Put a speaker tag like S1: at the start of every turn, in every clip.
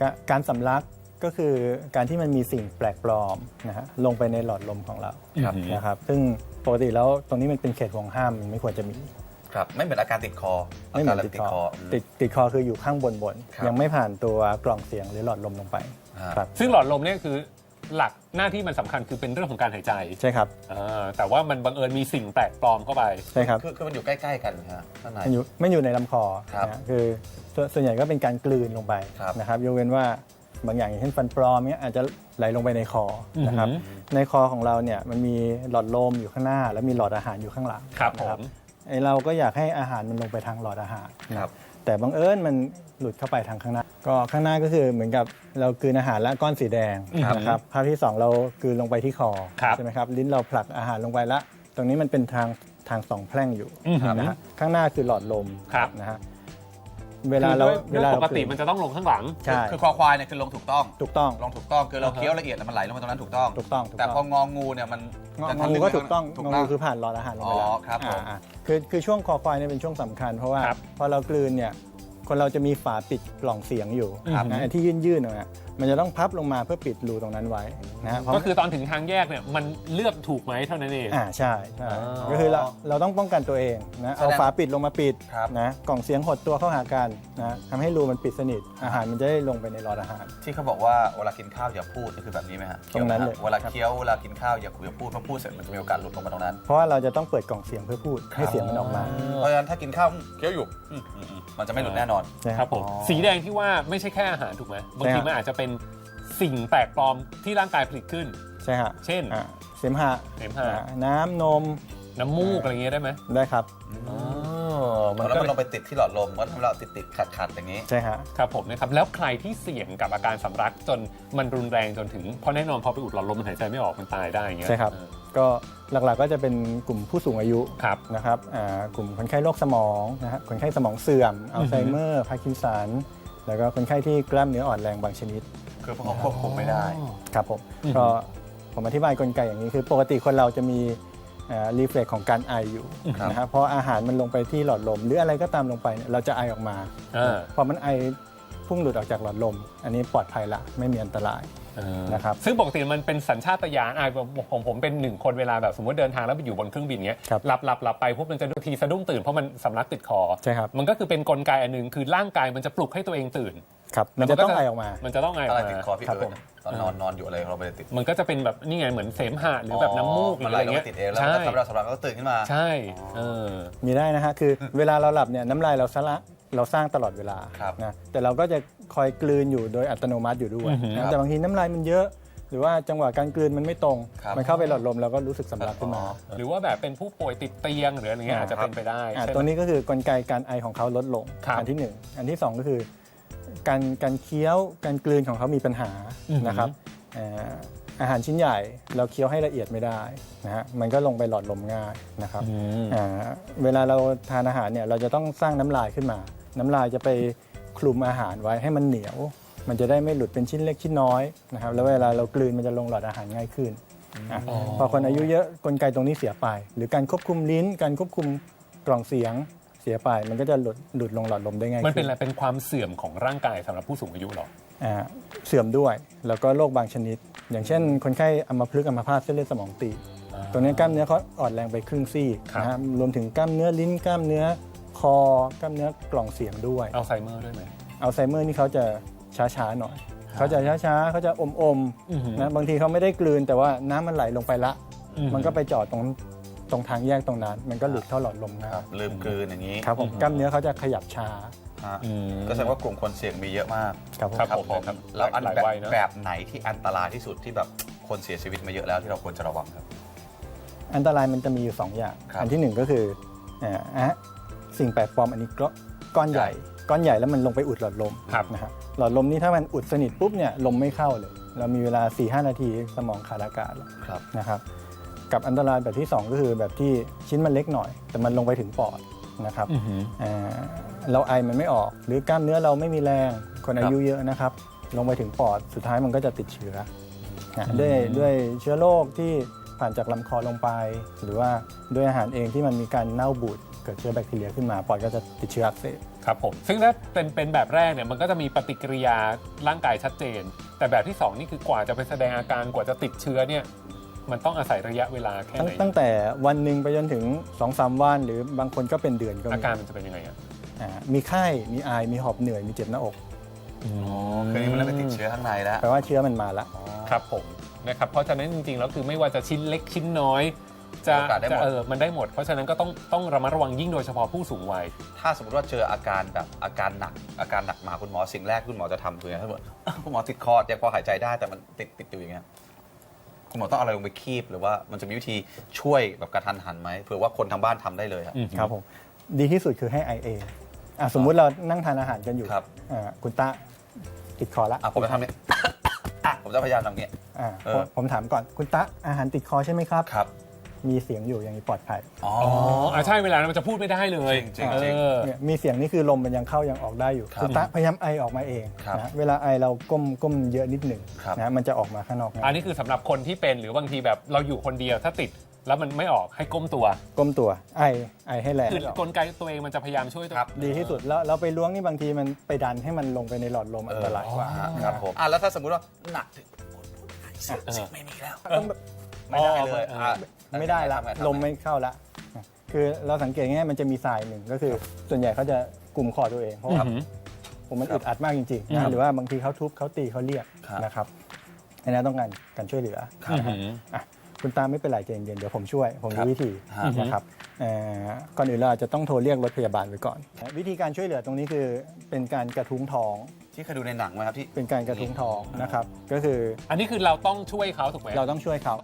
S1: การสำลักก็คือการที่มันมีสิ่งแปลกปลอมนะฮะลงไปในหลอดลมของเรานะครับซึ่งปกติแล้วตรงนี้มันเป็นเขตห่วงห้ามมันไม่ควรจะมี
S2: ครับไม่เหมือนอาการติดคอ
S1: ไม่เหมือนติดคอติดคอคืออยู่ข้างบนยังไม่ผ่านตัวกล่องเสียงหรือหลอดลมลงไปครับ
S3: ซึ่งหลอดลมเนี่ยคือหลักหน้าที่มันสำคัญคือเป็นเรื่องของการหายใจ
S1: ใช่ครับ
S3: แต่ว่ามันบังเอิญมีสิ่งแปลกปลอมเข้าไป
S1: ใช่ครับ
S2: คือมันอยู่ใกล้ๆกันครับข้างใน
S1: ไม่อยู่ในลำคอนะคือส่วนใหญ่ก็เป็นการกลืนลงไปนะครับยกเว้นว่าบางอย่างอย่างเช่นฟันปลอมเนี่ยอาจจะไหลลงไปในคอนะครับในคอของเราเนี่ยมันมีหลอดลมอยู่ข้างหน้าแล้วมีหลอดอาหารอยู่ข้างหลัง
S3: นะครับ
S1: เราก็อยากให้อาหารมันลงไปทางหลอดอาหารแต่บังเอิญมันหลุดเข้าไปทางข้างหน้าก็ข้างหน้าก็คือเหมือนกับเรากลืนอาหารและก้อนสีแดงนะครับภาพที่2เรากลืนลงไปที่คอใช่ไหมครับลิ้นเราผลักอาหารลงไปละตรงนี้มันเป็นทาง2แพร่งอยู่นะฮะข้างหน้าคือหลอดลมนะฮะเวลา
S3: ปกติมันจะต้องลงข้างหลัง
S2: คือคอควายเนี่ยคือลงถูกต้อง ลงถูกต้องคือเราเคี้ยวละเอียดแล้วมันไหลลงมาตรงนั้นถูกต้องแต่พององูเนี่ยมัน
S1: งองูก็ถูกต้องงองูคือผ่านหลอดอาหารลงไปแล้ว
S2: ครับผม
S1: คือช่วงคอควายเนี่ยเป็นช่วงสำคัญเพราะว่าพอเรากลืนเนี่ยคนเราจะมีฝาปิดกล่องเสียงอยู่นะที่ยื่นๆนะมันจะต้องพับลงมาเพื่อปิดรูตรงนั้นไว้นะ
S3: ก็คือตอนถึงทางแยกเนี่ยมันเลือกถูกไหมเท่านั้นเอง
S1: ใช่ก็คือเราต้องป้องกันตัวเองนะเอาฝาปิดลงมาปิดนะกล่องเสียงหดตัวเข้าหากันนะทำให้รูมันปิดสนิทอาหารมันจะได้ลงไปในหลอดอาหาร
S2: ที่เขาบอกว่าเวลากินข้าวอย่าพูดคือแบบนี้ไหมฮะ
S1: ตรงนั้นเลย
S2: เวลาเคี้ยวเวลากินข้าวอย่าคุยอย่าพูดเพราะพูดเสร็จมันจะมีโอกาสหลุดลงมาตรงนั้น
S1: เพราะว่าเราจะต้องเปิดกล่องเสียงเพื่อพูดให้เสียงมันออกมา
S2: เพราะฉะนั้นถ้ากินข้าวเคี้ยวอยู่มันจะไม่หลุดแน่นอน
S3: ครับผมสีแดงที่ว่าไม่ใช่แค่อาหารถูกไหมบางทีมันอาจจะเป็นสิ่งแปลกปลอมที่ร่างกายผลิตขึ้น
S1: ใช่ฮะ
S3: เช่น
S1: เสมหะน้ำนม
S3: น้ำมูกอะไรเงี้ยได้ไหม
S1: ได้ครับ
S2: แล้วมันลงไปติดที่หลอดลมก็ทำให้เราติดขัดอย่างนี้
S1: ใช่ฮะ
S3: ครับผมนะครับแล้วใครที่เสี่ยงกับอาการสำลักจนมันรุนแรงจนถึงเพราะแน่นอนพอไปอุดหลอดลมมันหายใจไม่ออกมันตายได้อย่างเงี้ย
S1: ใช่ครับก็หลักๆก็จะเป็นกลุ่มผู้สูงอายุนะครับกลุ่มคนไข้โรคสมองนะฮะคนไข้สมองเสื่อมอัลไซเมอร์พาร์กินสันแล้วก็คนไข้ที่กล้ามเนื้ออ่อนแรงบางชนิด
S2: คือพวกเขาควบคุมไม่ได้
S1: ครับก็ผมอธิบายกลไกอย่างนี้คือปกติคนเราจะมีรีเฟล็กของการไออยู่นะครับพออาหารมันลงไปที่หลอดลมหรืออะไรก็ตามลงไปเนี่ยเราจะไอออกมาพอมันไอพุ่งหลุดออกจากหลอดลมอันนี้ปลอดภัยละไม่มีอันตรายนะครับ
S3: ซึ่งปกติมันเป็นสัญชาตญาณผมเป็น1คนเวลาแบบสมมติเดินทางแล้วไปอยู่บนเครื่องบินเงี้ยหลับไปพวกมันจะดูทีสะดุ้งตื่นเพราะมันสำลักติดคอ
S1: ใช่ครับ
S3: มันก็คือเป็นกลไกอันนึงคือร่างกายมันจะปลุกให้ตัวเองตื่น
S1: ครับมันจะต้องไอออกมา
S3: มันจะต้องไอออกมา
S2: ติดคอพี่เอิญตอนนอนอยู่อะไรเราไปติด
S3: มันก็จะเป็นแบบนี่ไงเหมือนเสมหะหรือแบบน้ำมูกอะไรเงี้ย
S2: ติดเองแล้วทำเราสำหรับก็ตื่นขึ้นมา
S3: ใช่
S1: มีได้นะฮะคือเวลาเราหลับเนี่ยน้ำลายเราสร้างตลอดเวลานะแต่เราก็จะคอยกลืนอยู่โดยอัตโนมัติอยู่ด้วยนะแต่บางทีน้ำลายมันเยอะหรือว่าจังหวะการกลืนมันไม่ตรงมันเข้าไปหลอดลมเราก็รู้สึกสำลักขึ้นมา
S3: หรือว่าแบบเป็นผู้ป่วยติดเตียงหรืออะไรเงี้ยอาจจะเป็นไปได้
S1: ตัวนี้ก็คือกลไกการไอของเขาลดลงอันที่1อันที่2ก็คือการเคี้ยวการกลืนของเขามีปัญหานะครับอาหารชิ้นใหญ่เราเคี้ยวให้ละเอียดไม่ได้นะฮะมันก็ลงไปหลอดลมง่ายนะครับเวลาเราทานอาหารเนี่ยเราจะต้องสร้างน้ำลายขึ้นมาน้ำลายจะไปคลุมอาหารไว้ให้มันเหนียวมันจะได้ไม่หลุดเป็นชิ้นเล็กชิ้นน้อยนะครับแล้วเวลาเรากลืนมันจะลงหลอดอาหารง่ายขึ้นพอคนอายุเยอะกลไกตรงนี้เสียไปหรือการควบคุมลิ้นการควบคุมกล่องเสียงเสียไปมันก็จะหลุดลงหลอดลมได้ง่าย
S3: มันเป็นอะไรเป็นความเสื่อมของร่างกายสำหรับผู้สูงอายุหรอ
S1: เสื่อมด้วยแล้วก็โรคบางชนิดอย่างเช่นคนไข้อัมพฤกษ์อัมพาตเส้นเลือดสมองตีบตรงนี้กล้ามเนื้อเขาอ่อนแรงไปครึ่งซี่นะฮะรวมถึงกล้ามเนื้อลิ้นกล้ามเนื้อคอกล้ามเนื้อกล่องเสียงด้วย
S3: อัลไซเมอร์ด้วยไหม
S1: อัลไซเมอร์นี่เขาจะช้าๆหน่อยเขาจะช้าๆเขาจะอมๆนะบางทีเขาไม่ได้กลืนแต่ว่าน้ำมันไหลลงไปละมันก็ไปจอดตรงทางแยกตรงนั้นมันก็หลุดเข้าหลอดลมนะครับ
S2: ลืมกลืนอย่างนี้
S1: ครับผมกล้ามเนื้อเขาจะขยับช้า
S2: ก็แสดงว่ากลุ่มคนเสี่ยงมีเยอะมาก
S3: ครับผม
S2: แล้วแบบไหนที่อันตรายที่สุดที่แบบคนเสียชีวิตมาเยอะแล้วที่เราควรจะระวังครับ
S1: อันตรายมันจะมีอยู่2อย่างอันที่1ก็คือสิ่งแปลกปลอมอันนี้ก้อนใหญ่แล้วมันลงไปอุดหลอดลมนะครับหลอดลมนี้ถ้ามันอุดสนิทปุ๊บเนี่ยลมไม่เข้าเลยเรามีเวลา 4-5 นาทีสมองขาดอากาศแล้วนะครับกับอันตรายแบบที่2ก็คือแบบที่ชิ้นมันเล็กหน่อยแต่มันลงไปถึงปอดนะครับเราไอมันไม่ออกหรือกล้ามเนื้อเราไม่มีแรงคนอายุเยอะนะครับลงไปถึงปอดสุดท้ายมันก็จะติดเชื้อด้วยเชื้อโรคที่ผ่านจากลำคอลงไปหรือว่าด้วยอาหารเองที่มันมีการเน่าบูดเกิดเชื้อแบคทีเรียขึ้นมาปอดก็จะติดเชื้ออักเสบ
S3: ครับผมซึ่งถ้าเป็นแบบแรกเนี่ยมันก็จะมีปฏิกิริยาร่างกายชัดเจน แต่แบบที่ 2 นี่คือกว่าจะไปแสดงอาการกว่าจะติดเชื้อเนี่ยมันต้องอาศัยระยะเวลาแค่ไหน
S1: ตั้งแต่วันหนึ่งไปจนถึง 2-3 วันหรือบางคนก็เป็นเดือนก็มี
S3: อาการมันจะเป็นยังไงอ่ะ
S1: มีไข้มีไอมีหอบเหนื่อยมีเจ็บหน้าอก
S2: คือนี่มันเริ่มไปติดเชื้อข้างในแล้ว
S1: แปลว่าเชื้อมันมาแล้ว
S3: ครับผมนะครับเพราะฉะนั้นจริงๆแล้วคือไม่ว่าจะชิ้นเล็กชิ้นน้อยจะ
S2: โอกาสได้หมด
S3: มันได้หมด เพราะฉะนั้นก็ต้องระมัดระวังยิ่งโดยเฉพาะผู้สูงวัย
S2: ถ้าสมมติว่าเจออาการแบบอาการหนักมาคุณหมอสิ่งแรกคุณหมอจะทำคือถ้าบอกคุณหมอติดคอยังพอหายใจได้แต่มันติดอยู่อย่างเงี้ยคุณหมอต้องเอาอะไรลงไปคีบหรือว่ามันจะมีวิธีช่วยแบบกระทันหันไหมเผื่อว่าคนทางบ้านทำได้เลยครับ
S1: ครับผมดีที่สุดคือให้ไอเองสมมุติเรานั่งทานอาหารกันอยู่
S2: ครับ
S1: คุณตาติดคอละ
S2: ผมจะทำเนี่ยผมจะพยายามทำเงี้ย
S1: ผมถามก่อนคุณตาอาหารติดคอใช่ไหมครับ
S2: ครับ
S1: มีเสียงอยู่อย่างนี้ปลอดภัย
S2: อ๋อ
S3: ใช่เวลานั้นมันจะพูดไม่ได้เลย
S2: จริงๆ
S1: เนี่ยมีเสียงนี่คือลมมันยังเข้ายังออกได้อยู่
S2: ครับ
S1: คุณตาพยายามไอออกมาเอง
S2: ครับ
S1: นะเวลาไอเราก้มเยอะนิดหนึ่ง
S2: ครับ
S1: นะมันจะออกมาข้างนอก
S3: อันนี้คือสำหรับคนที่เป็นหรือบางทีแบบเราอยู่คนเดียวถ้าติดแล้วมันไม่ออกให้ก้มตัว
S1: ก้มตัวไอให้แรง
S3: คือกลไกตัวเองมันจะพยายามช่วยตัว
S1: ดีที่สุดแล้วเราไปล้วงนี่บางทีมันไปดันให้มันลงไปในหลอดลมอันตรายกว่า
S2: ครับผมแล้วถ้าสมมติว่าหนักถึงสิไม่มีแล้วไม่ได้เลย
S1: ไม่ได้ละลมไม่เข้าละคือเราสังเกตง่ายๆมันจะมีสายหนึ่งก็คือส่วนใหญ่เขาจะกลุ่มคอตัวเองเพราะว่าผมมันอึดอัดมากจริงๆนะหรือว่าบางทีเขาทุบเขาตีเขาเรียกนะครับอันนี้ต้องการช่วยเหลือคุณตาไม่เป็นไรใจเย็นๆเดี๋ยวผมช่วยผมรู้วิธีนะครับก่อนอื่นเราอาจจะต้องโทรเรียกรถพยาบาลไว้ก่อนวิธีการช่วยเหลือตรงนี้คือเป็นการกระทุ้งท้อง
S2: ที่เคยดูในหนังไหมครับที่
S1: เป็นการกระทุ้งท้องนะครับก็คือ
S3: อันนี้คือเราต้องช่วยเขาถูกไหม
S1: เราต้องช่วยเขา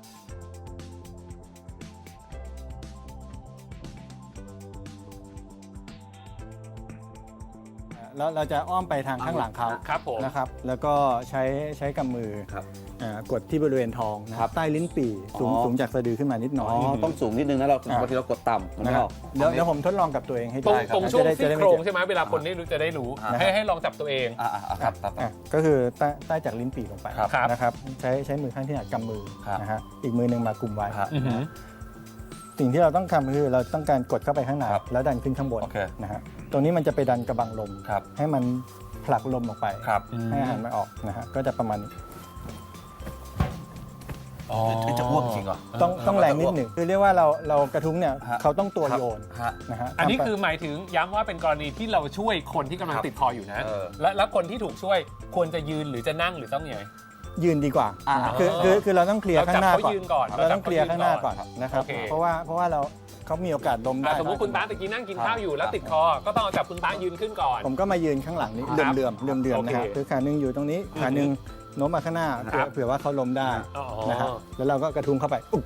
S1: แล้วเราจะอ้อมไปทางข้างหลังเขา
S3: ครับผม
S1: นะครับแล้วก็ใช้กำมือ
S2: ครับ
S1: กดที่บริเวณท้องนะครับใต้ลิ้นปี่สูงจากสะดือขึ้นมานิดหน่อย
S2: ต้องสูงนิดนึงนะเราบางทีเรากดต่ำมัน
S1: นะ
S2: ไม่
S1: ค
S2: อ
S1: รั
S2: อบ ก
S1: เดี๋ยวผมทดลองกับตัวเองให้
S3: ตรง
S1: ได้ครับ
S3: ตรงช่วง
S1: จะ
S3: ซี่
S1: ได้
S3: โครงใช่ไหมเวลาคนนี้จะได้รู้ ให้ลองจับตัวเอง
S2: ครับ
S1: ก็คือใต้จากลิ้นปี่ลงไป
S2: ครับ
S1: นะครับใช้มือข้างที่หนักกำมือ
S2: ครับ
S1: นะฮะอีกมือหนึ่งมากลุ่มไว้
S2: ครับ
S3: อือหือ
S1: สิ่งที่เราต้องทำคือเราต้องการกดเข้าไปข้างใน
S2: ครับ
S1: แล้วดันขึ้นข้างบน
S2: โอเค
S1: นะฮะตรงนี้มันจะไปดันกระบังลม
S2: ครับ
S1: ให้มันผลักลมออกไป
S2: ครับ
S1: ให้อาหารมันออกนะฮะก็จะประมาณนี้
S2: จะอ้วกจริงเหรอ
S1: ต้องแรงนิดหนึ่งคือเรียกว่าเรากระทุ้งเนี่ย
S2: ฮะ
S1: เขาต้องตัวโยน
S2: ฮะ
S1: นะฮะ
S3: อันนี้
S1: ทำไป
S3: คือหมายถึงย้ำว่าเป็นกรณีที่เราช่วยคนที่กำลัง
S2: ครับ
S3: ติดคออยู่นะ
S2: เ
S3: แล้วคนที่ถูกช่วยควรจะยืนหรือจะนั่งหรือต้องยังไง
S1: ยืนดีกว่าคือเราต้องเคลียร์ข้างหน้า
S3: เราจับเขา
S1: ก่อน
S3: ยืนก่อน
S1: เราต้องเคลียร์ข้างหน้าก่อน
S3: ครับ
S1: นะครับ
S3: โอเค
S1: เพราะว่าเขามีโอกาสล้มได้
S3: สมมติคุณตาตะกี้นั่งกินข้าวอยู่แล้วติดคอ ก็ต้องเอาจับคุณตายืนขึ้นก่อน
S1: ผมก็มายืนข้างหลังนี้
S3: ครับ
S1: เลื่อมๆนะฮะ
S3: โอเค
S1: คือขาหนึ่งอยู่ตรงนี้ขาหนึ่งโน้มมาข้างหน้า
S3: ครับ
S1: เผื่อว่าเขาล้มได้
S3: อ๋อ
S1: นะฮะแล้วเราก็กระทุ้งเข้าไปอุ๊บ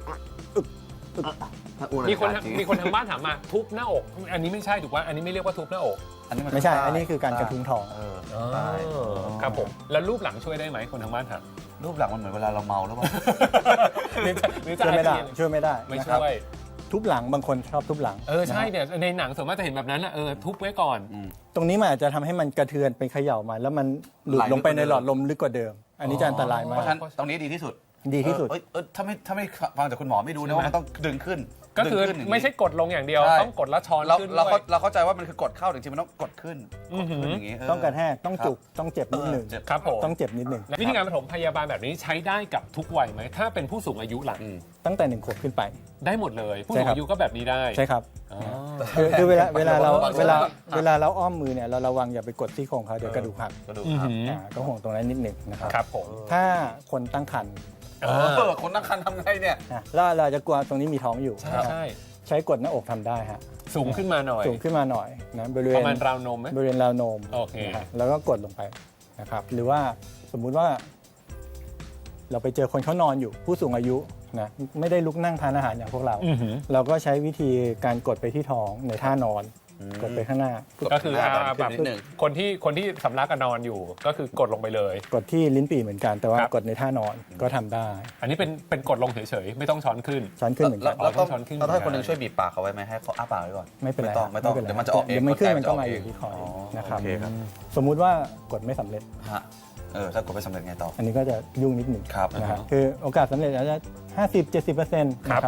S3: มีคนทางบ้านถามมาทุบหน้าอก อันนี้ไม่ใช่ถูกป่ะอันนี้ไม่เรียกว่าทุบหน้าอก
S1: ไม่ใช่ อันนี้คือการกระทุ้งท้อง
S2: ใช่
S3: ครับผมแล้วรูปหลังช่วยได้ไหมคนทางบ้านถาม
S2: รูปหลังมันเหมือนเวลาเราเมาแล้วป่ะ
S3: หรือจะ
S1: ช่วยไม่ได้ช่วยไม่ได้
S3: ไม่
S1: นะค
S3: ช่
S1: รับ
S3: วย
S1: ทุบหลังบางคนชอบทุบหลัง
S3: ใช่
S1: นะฮะ
S3: เนี่ยในหนังส่วนมากจะเห็นแบบนั้นนะทุบไว้ก่อน
S1: ตรงนี้มันอาจจะทำให้มันกระเทือนไปเขย่ามาแล้วมันหลุด
S2: ไหล
S1: ลงไปใน
S2: ลึกกว่าเดิม
S1: หลอดลมลึกกว่าเดิม อันนี้จะอันตราย
S2: เพ
S1: มา
S2: ราะ
S1: ก
S2: ฉะนั้นตรงนี้ดีที่สุด
S1: ดีที่สุด
S2: ถ้าไม่ฟังจากคุณหมอไม่รู้นะว่ามันต้องดึงขึ้น
S3: ก็คือ
S2: ดึงขึ้นย่างนี้
S3: ไม่ใช่กดลงอย่างเดียว
S2: ใช่
S3: ต้องกดแล้วช้อน
S2: เรา
S3: ขึ้น
S2: เรา
S3: ด้วย
S2: เราเข้าใจว่ามันคือกดเข้าแต่จริงๆมันต้องกดขึ้นอย่างนี้
S1: ต้องกระแทกต้องจุกต้องเจ็บนิดหนึ่ง
S2: เจ็บ
S3: ครับผม
S1: ต้องเจ็บนิดหนึ่ง
S3: วิธีการปฐมพยาบาลแบบนี้ใช้ได้กับทุกวัยไหมถ้าเป็นผู้สูงอายุหลัง
S1: ตั้งแต่1 ขวบขึ้นไป
S3: ได้หมดเลย ผู้
S1: ใช่
S3: สูง
S1: ครับ
S3: อายุก็แบบนี้ได้
S1: ใช่ครับ
S3: อ๋อ
S1: คือเวลาเรา
S2: เวลา
S1: เวลาเราอ้อมมือเนี่ยเราระวังอย่าไปกดที่โครงเขาเดี๋ยวกระดูกหัก
S2: กระดูก
S3: อือ
S2: ครับ
S3: หือ
S1: ก็ห่วงตรงนั้นนิดหนึ่งนะครับ
S3: ครับผม
S1: ถ้าคนตั้งครรภ์
S2: คนตั้งครรภ์ทำไงเนี่ย
S1: แล้วเราจะกลัวตรงนี้มีท้องอยู่
S3: ใช่
S1: นะครับ
S3: ใช่
S1: ใช้กดหน้าอกทำได้ฮะ
S3: สูงขึ้นมาหน่อย
S1: สูงขึ้นมาหน่อยนะบริเว
S3: ป
S1: ณ
S3: ระมาณราวนมไหม
S1: บริเวณราวนม
S3: โอเค
S1: นะฮะแล้วก็กดลงไปนะครับหรือว่าสมมุติว่า เราไปเจอคนเขานอนอยู่ผู้สูงอายุนะไม่ได้ลุกนั่งทานอาหารอย่างพวกเรา
S3: อือหือ
S1: เราก็ใช้วิธีการกดไปที่ท้องในท่านอน กดไปข้างหน้า
S3: ก็คือ
S2: หน้า
S3: แบบ
S2: นิดหนึ่ง
S3: คนที่สำลักกับนอนอยู่ ก็คือกดลงไปเลย
S1: กดที่ลิ้นปี่เหมือนกัน แต่ว่า
S3: ครับ
S1: กดในท่านอนก็ทำได้
S3: อันนี้เป็นกดลงเฉยๆไม่ต้องช้อนขึ้น
S1: ช้อนขึ้นเหมือนกัน
S2: แล้วต้อง
S3: ช้อนขึ้น
S2: เราต้องให้คนหนึงช่วยบีบปากเขาไว้ไหมให้เขาอ้าปากไว้ก่อน
S1: ไม่เป็นไร
S2: ไม่ต้อง
S1: ป็ไร
S2: เดี๋ยวมันจะออกเอง
S1: เดี๋ยวมันขึ้นมันก็
S2: ก
S1: มา
S2: เ
S1: อยู่ที่คอนะครับ
S2: โอเคครับ
S1: สมมุติว่ากดไม่สำเร็จ
S2: ฮะถ้ากดไม่สำเร็จไงต่อ
S1: อันนี้ก็จะยุ่งนิดหนึ่ง
S2: ครับ
S1: นะครับคือโอกาสสำเร็จอาจจะ50-70%นะครับ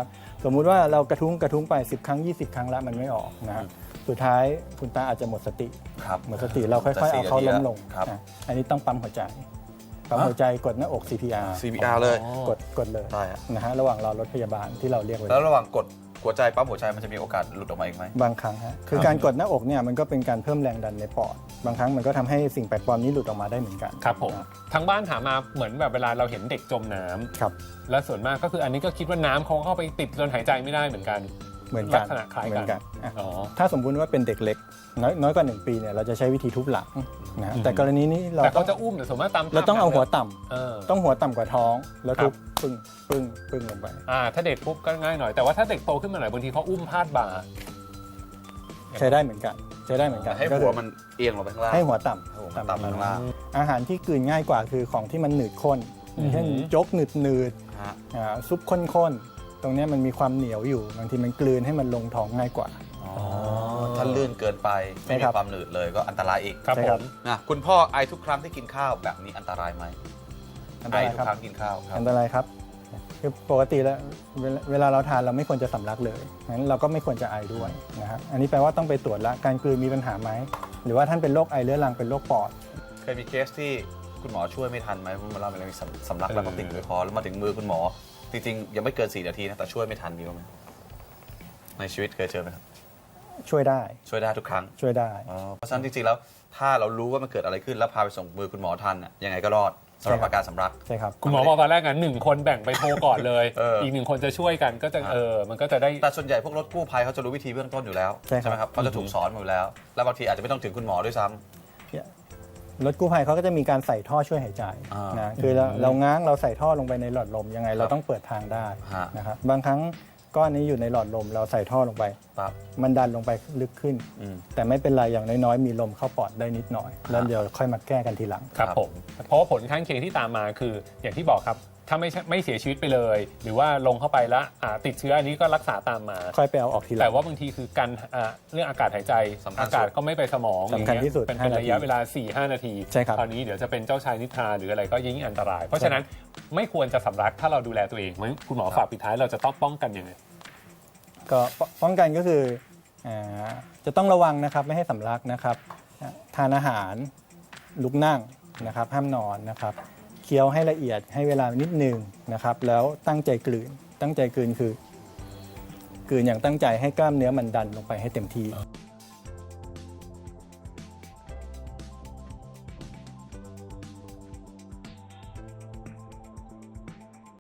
S1: สมมุติว่าเรากระทุ้งไป10 ครั้ง 20 ครั้งแล้วมันไม่ออกนะฮะสุดท้ายคุณตาอาจจะหมดสติ
S2: ครับ
S1: หมดสติเราค่อยๆเอาเขาล้มลง
S2: ครับ
S1: อันนี้ต้องปั๊มหัวใจปั๊มหัวใจกดหน้าอก CPR
S2: CPR เลย
S1: กดเลย
S2: ได้ฮะ
S1: นะฮะระหว่างรอรถพยาบาลที่เราเรียกไว้
S2: แล้วระหว่างกดหัวใจปั๊มหัวใจมันจะมีโอกาสหลุดออกมาอีกไหม
S1: บางครั้งฮะคือการกดหน้าอกเนี่ยมันก็เป็นการเพิ่มแรงดันในปอดบางครั้งมันก็ทำให้สิ่งแปลกปลอมนี้หลุดออกมาได้เหมือนกัน
S3: ครับผมทางบ้านถามมาเหมือนแบบเวลาเราเห็นเด็กจมน้ำ
S1: ครับ
S3: และส่วนมากก็คืออันนี้ก็คิดว่าน้ำเขาเข้าไปติดจนหายใจไม่ได้เหมือนกัน
S1: เหมือนกัน
S3: ลักษณะคล้ายกัน
S1: เหมือนกันอ่ะ
S3: อ๋อ
S1: ถ้าสมมุติว่าเป็นเด็กเล็กน้อยกว่า 1 ปีเนี่ยเราจะใช้วิธีทุบหลังนะฮะแต่กรณีนี้เรา
S3: แต่
S1: ต้อ
S3: เขา
S1: ง
S3: จะอุ้มแต่สมมติตาม
S1: เราต้องเอาหัวต่ำ
S3: เออ
S1: ต้องหัวต่ำกว่าท้องแล้วทุบปึ้งปึ้งปึ้งลงไป
S3: ถ้าเด็กปุ๊บก็ง่ายหน่อยแต่ว่าถ้าเด็กโตขึ้นมาหน่อยบางทีเขาอุ้มพาดบ่า
S1: ใช้ได้เหมือนกันใช้ได้เหมือนกัน
S2: ให้
S1: ก็
S2: หั
S1: คื
S2: ว
S1: อ
S2: มันเอียงลงไปข้างล่าง
S1: ให้หัวต่
S2: ให้หัว
S1: ำ
S2: มันต่ำลงข้างล่าง
S1: อาหารที่กลืนง่ายกว่าคือของที่มันหนืดข้นอย่างเช่นโจ๊กหนืด
S2: ฮะ
S1: ซุปข้นๆตรงเนี้ยมันมีความเหนียวอยู่บางทีมันกลืนให้มันลงท้องง่ายกว่า
S2: ถ้าลื่นเกินไปไม่
S1: ใช่
S2: มี
S1: ครับ
S2: ความหนืดเลยก็อันตรายอีก
S3: ครับ
S1: ใช่
S3: ผ
S1: ครับ
S3: ม
S2: นะคุณพ่อไอทุกครั้งที่กินข้าวแบบนี้อันตรายไหม
S1: อันต
S2: ไอ
S1: ราย
S2: ทุก
S1: ครับ
S2: ครั้งกินข้าวครับ
S1: อันตรายครับคือปกติแล้วเวลาเราทานเราไม่ควรจะสำลักเลยงั้นเราก็ไม่ควรจะไอด้วยนะฮะอันนี้แปลว่าต้องไปตรวจละการกลืนมีปัญหาไหมหรือว่าท่านเป็นโรคไอเรื้อรังเป็นโรคปอด
S2: เคยมีเคสที่คุณหมอช่วยไม่ทันไหมคุณหมอเล่าไปเลยมีสำลักแล้วก็ติดอยู่ในคอแล้วมาถึงมือคุณหมอ จริงๆ ยังไม่เกิน 4 นาทีนะแต่ช่วยไม่ทันมีบ้างไหมในชีวิตเคยเจอไหมครับ
S1: ช่วยได้
S2: ช่วยได้ทุกครั้ง
S1: ช่วยได้
S2: เพราะฉะนั้นจริงๆแล้วถ้าเรารู้ว่ามันเกิดอะไรขึ้นแล้วพาไปส่งมือคุณหมอทันน่ะยังไงก็รอดสำหรับ
S1: ใช่ครับ
S2: อาการสำลัก
S1: ใช่ครับ
S3: คุณหมอบอกตอนแรกกัน1 คนแบ่งไปโทรก่อนเลย
S2: อี
S3: ก1 คนจะช่วยกันก็จะมันก็จะได้
S2: แต่ส่วนใหญ่พวกรถกู้ภัยเขาจะรู้วิธีเบื้องต้นอยู่แล้ว
S1: ใช่ครับ
S2: ไหมครับเขาจะถูกสอนมาอยู่แล้ว แล้วบางทีอาจจะไม่ต้องถึงคุณหมอด้วยซ้ำ
S1: รถกู้ภัยเขาก็จะมีการใส่ท่อช่วยหายใจ
S2: อ่าน
S1: นะคือเราง้างเราใส่ท่อลงไปในหลอดลมยังไงเราต้องเปิดทางได้
S2: ฮะ
S1: นะครับบางครั้งก้อนนี้อยู่ในหลอดลมเราใส่ท่อลงไป
S2: ปั๊บ
S1: มันดันลงไปลึกขึ้น
S2: อืม
S1: แต่ไม่เป็นไรอย่างน้อยๆมีลมเข้าปอดได้นิดหน่อย แล้วเดี๋ยวค่อยมาแก้กันทีหลัง
S3: ครับ
S2: ครับ
S3: ผมเพราะว่าผลข้างเคียงที่ตามมาคืออย่างที่บอกครับถ้าไม่เสียชีวิตไปเลย หรือว่าลงเข้าไปแล้วติดเชื้ออันนี้ก็รักษาตามมา
S1: ค่อยไปเอาออกทีหลัง
S3: แต่ว่าบางทีคือการเรื่องอากาศหายใจ
S2: สำคัญสุด
S3: อากาศก็ไม่ไปสมอง
S1: สำคัญที่สุด
S3: เป็น
S1: 5
S3: ระยะเวลา 4-5 นาที
S1: ใช่ครับ
S3: คราวนี้เดี๋ยวจะเป็นเจ้าชายนิทราหรืออะไรก็ยิ่งอันตราย เพราะฉะนั้นไม่ควรจะสำลักถ้าเราดูแลตัวเองงั้นคุณหมอฝากปิดท้ายเราจะต้องป้องกันยังไง
S1: ก็ป้องกันก็คือจะต้องระวังนะครับไม่ให้สำลักนะครับทานอาหารลุกนั่งนะครับห้ามนอนนะครับเคี้ยวให้ละเอียดให้เวลานิดนึงนะครับแล้วตั้งใจกลืนคือกลืนอย่างตั้งใจให้กล้ามเนื้อมันดันลงไปให้เต็มที่